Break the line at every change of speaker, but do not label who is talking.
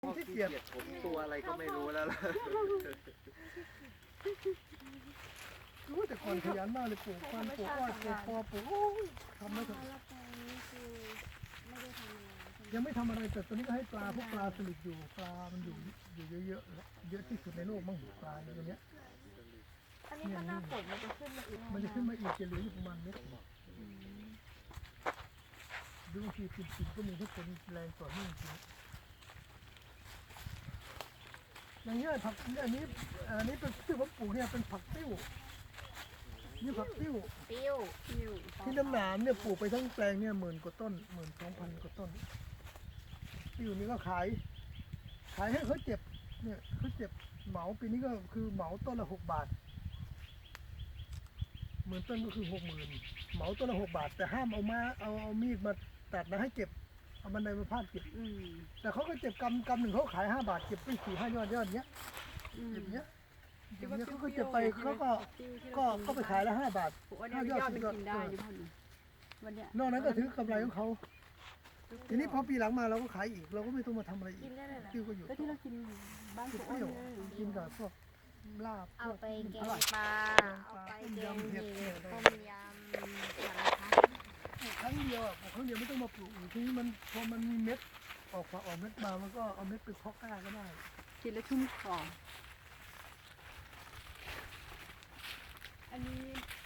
ขี้เกียจผมตัวอะไรก็ไม่รู้แล้วล่ะรู้แต่ก่อนขยันมากเลยปลูกมันปลูกอ้อยปลูกคอปลูกโอ้ยทำไม่ถึงยังไม่ทำอะไรแต่ตอนนี้ก็ให้ปลาพวกปลาสลิดอยู่ปลามันอยู่เยอะๆเยอะที่สุดในโลกมั้งปลาอย่างเงี้ย
อันนี้ถ้าหน้าฝนมันจะขึ้นมาอีก
มันจะขึ้นมาอีกจะเหลืออยู่ประมาณเม็ดดูบางทีติดก็มีถ้าฝนแรงต่อเนื่องจริงอย่างเงี้ยผักอันนี้เป็นที่ผมปลูกเนี่ยเป็นผักติ้วนี่ผักติ้วที่น้ำหนามเนี่ยปลูกไปทั้งแปลงเนี่ย10,000 กว่าต้น12,000 กว่าต้นติ้วนี่ก็ขายให้เขาเจ็บเนี่ยเขาเจ็บเหมาปีนี้ก็คือเหมาต้นละ6 บาท10,000 ต้นก็คือ60,000เหมาต้นละ6 บาทแต่ห้ามเอามีดมาตัดนะให้เก็บเอาบันไดมาพาดเก็บแต่เขาก็เจ็บกำหนึ่งเขาขาย5 บาทเก็บไป4-5 ยอดเนี้ยเก็บเนี้ยเขาก็เจ็บไปเขาก็ไปขายละ5 บาท5 ยอด10 ยอดนอกนั้นก็ถือกำไรของเขาทีนี้พอปีหลังมาเราก็ขายอีกเราก็ไม่ต้องมาทำอะไรอีกติ้วก็อยู่
ที่เรากินบ้าน
เปรี้ยวกินกับพวกลาบ
เอาไปแกงปลาเอาไปแกงเห็ดต้มยำ
ครั้งเดียวครั้งเดียวไม่ต้องมาปลูกทีนี้มันพอมันมีเม็ดออกเม็ดมามันก็เอาเม็ดไปเพาะกล้าก็ได้
กินแล้วชุ่มคออันนี้